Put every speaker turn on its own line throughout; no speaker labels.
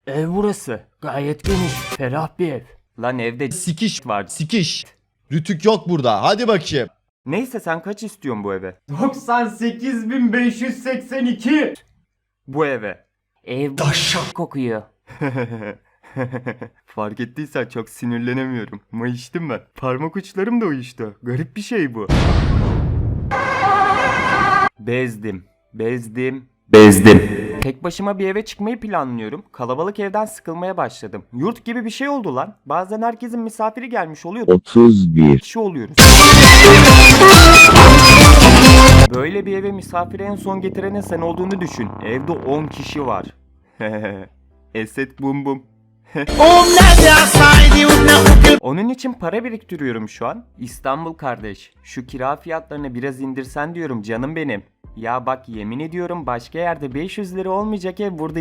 Ev burası. Gayet geniş. Ferah bir ev. Lan evde
Sikiş
var.
sikiş. Rütük yok burada. Hadi bakayım.
Neyse sen kaç istiyorsun bu eve?
98.582.
Bu eve. Ev kokuyor. Fark ettiysen çok sinirlenemiyorum. Mayıştım ben. Parmak uçlarım da uyuştu. Garip bir şey bu. Bezdim. Tek başıma bir eve çıkmayı planlıyorum. Kalabalık evden sıkılmaya başladım. Yurt gibi bir şey oldu lan. Bazen herkesin misafiri gelmiş oluyor.
31.
Kişi oluyoruz. Böyle bir eve misafiri en son getirene sen olduğunu düşün. Evde 10 kişi var. Eset bum bum. Onun için para biriktiriyorum şu an. İstanbul kardeş, şu kira fiyatlarını biraz indirsen diyorum canım benim. Ya bak yemin ediyorum başka yerde 500 lira olmayacak ev burada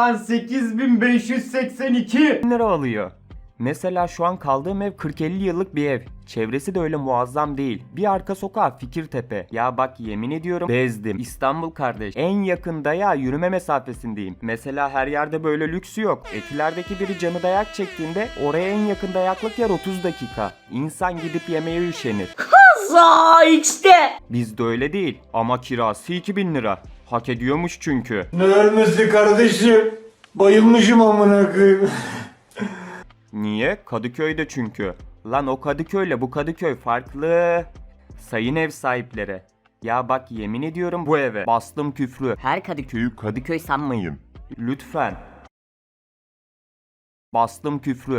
98.582.
1000 lira alıyor. Mesela şu an kaldığım ev 40-50 yıllık bir ev. Çevresi de öyle muazzam değil. Bir arka sokağı Fikirtepe. Ya bak yemin ediyorum bezdim. İstanbul kardeş. En yakında ya yürüme mesafesindeyim. Mesela her yerde böyle lüksü yok. Etiler'deki biri canı dayak çektiğinde oraya en yakın dayaklık yer 30 dakika. İnsan gidip yemeğe üşenir. Bizde öyle değil. Ama kirası 2000 lira. Hak ediyormuş çünkü.
Ne ölmesi kardeşim? Bayılmışım amına koyayım.
Niye? Kadıköy'de çünkü. Lan o Kadıköy'le bu Kadıköy farklı. Sayın ev sahipleri. Ya bak yemin ediyorum bu eve bastım küfrü. Her Kadıköy'ü Kadıköy sanmayın. Lütfen. Bastım küfrü.